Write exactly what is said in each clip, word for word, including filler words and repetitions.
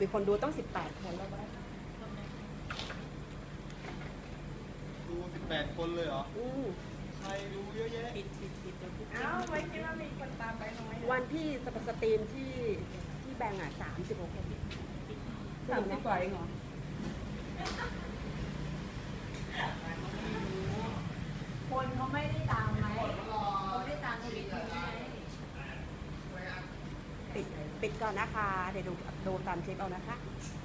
มีคนดูต้องสิบแปดคนแล้ววะดูสิบแปดคนเลยเหรออืมใครดูเยอะแยะปิดปิดปิดอ้าวไว้คิดว่ามีคนตามไปน้อยวันที่สปสตรีมที่ที่แบงก์อ่ะสามสิบหกคนสามสิบกว่าเองเหรอคนเขาไม่ได้ตามไหมเขาไม่ได้ตามทวิตไหมปิดปิดก่อนนะคะเดี๋ยวดูดูตามเช็คเอานะคะ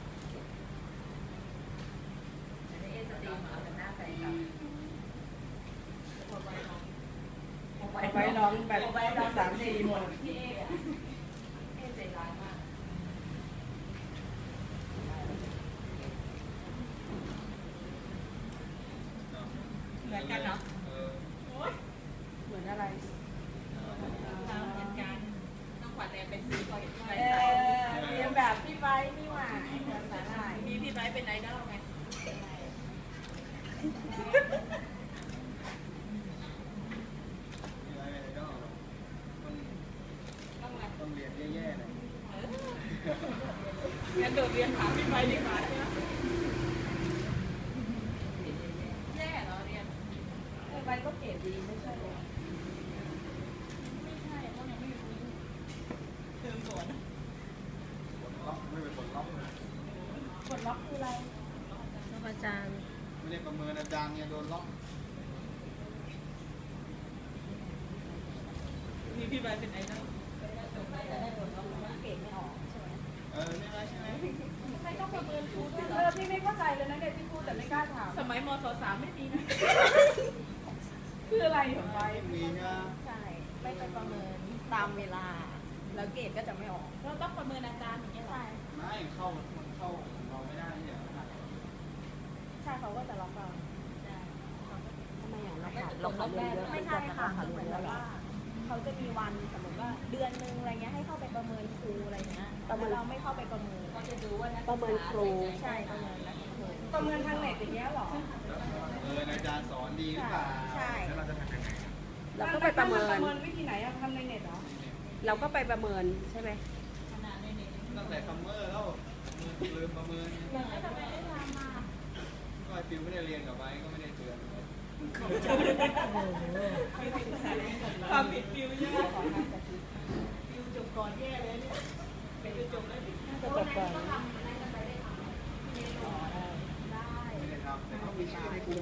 ไปน้องแบบสามสี่หมดพี่เอเอใจร้ายมากเหมือนกันเนาะเหมือนอะไรเราเหมือนกันต้องขวัญแรงเป็นซื้อพอเห็นพี่ไบค์ใส่เรียนแบบพี่ไบค์นี่หว่าภาษาไทยมีพี่ไบค์เป็นไอดอลไงต้องเรียนแย่ๆหน่อยงั้นโดดเรียนถามพี่ไบค์ดีกว่าใช่ไหมแย่เหรอเรียนพี่ไบค์ก็เก๋ดีไม่ใช่หรอไม่ใช่เพราะยังไม่รู้เติมสวนกดล็อกไม่เป็นกดล็อกกดล็อกคืออะไรล็อกอาจารย์ไม่ได้ประเมินอาจารย์เนี่ยโดนล็อกมีพี่ไบค์เป็นไอดอลเก่งไม่ออกใช่ไหมเออใช่ไหมใช่ไหมใครต้องประเมินครูด้วยเหรอเออพี่ไม่เข้าใจเลยนะเด็กที่พูดแต่ไม่กล้าถามสมัยมศสามไม่มีนะคืออะไรเหรอไบค์มีนะใช่ไม่ไปประเมินตามเวลาแล้วเกรดก็จะไม่ออกเราต้องประเมินอาจารย์อย่างเงี้ยหรอไม่เข้ามันเข้าเราไม่ได้เนี่ยใช่เขาก็จะล็อกเราทำไมอย่างเราขาดเราขาดเรียนเยอะไม่ใช่ค่ะคือเหมือนแบบว่าเขาจะมีวันสมมติว่าเดือนนึงอะไรเงี้ยให้เข้าไปประเมินครูอะไรเงี้ยแต่เราไม่เข้าไปประเมินเขาจะดูว่าประเมินครูใช่ประเมินนักครูประเมินทางเน็ตอย่างเงี้ยหรอเอออาจารย์สอนดีหรือเปล่าใช่แล้วเราจะทำยังไงเราก็ไปประเมินประเมินวิธีไหนอะทำในเน็ตเหรอเราก็ไปประเมินใช่ไหมตั้งแต่ซัมเมอร์แล้วลืมประเมินแล้วทำไมไม่ทำมาก็ฟิวไม่ได้เรียนกับไว้ก็ไม่ได้เตือนความผิดฟิวใช่ไหมฟิวจบก่อนแย่เลยเนี่ยเป็นจบแล้วจะจบก่อนไม่ได้ทำแต่เขามีชื่อในกลุ่ม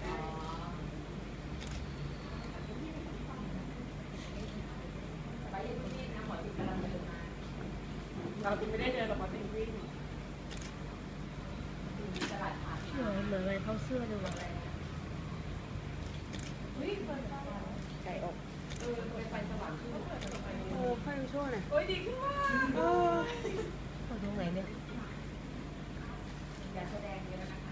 เราถึงไม่ได้เดินหรอกมาติงวิ่งเหมือนเหมือนอะไรเขาเสื้อดูอะไรไก่อกเออไฟสว่างขึ้นโอ้ไฟยังชั่วน่ะโอ้ยดีขึ้นมากเออตรงไหนเนี่ยอย่าแสดงเยอะนะคะ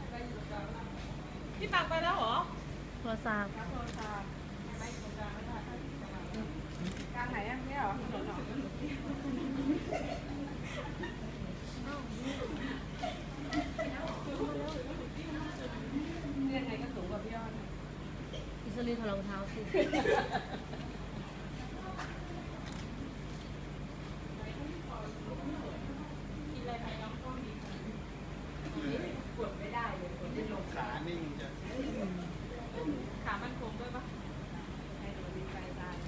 พี่ตักไปแล้วเหรอโทรศัพท์โทรศัพท์ไม่โทรศัพท์ไม่ได้กลางไหนอ่ะไม่หรอถนนหรอเรียนไงก็สูงกว่าพี่ยอดอิสรีถอดรองเท้าสิกินอะไรไปน้องก็มีกดไม่ได้เลยกดไม่ลงขานิ่งจะขามันคงด้วยปะให้ดูดีใจตาย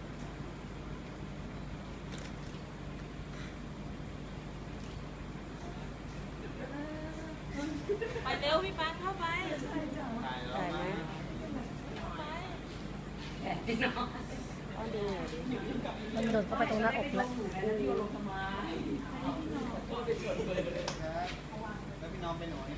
ไปเร็วพี่ปานเข้าไปถ่ายแล้วไหมมันโดดเข้าไปตรงหน้าอกแล้วแล้วพี่น้องไปหน่อย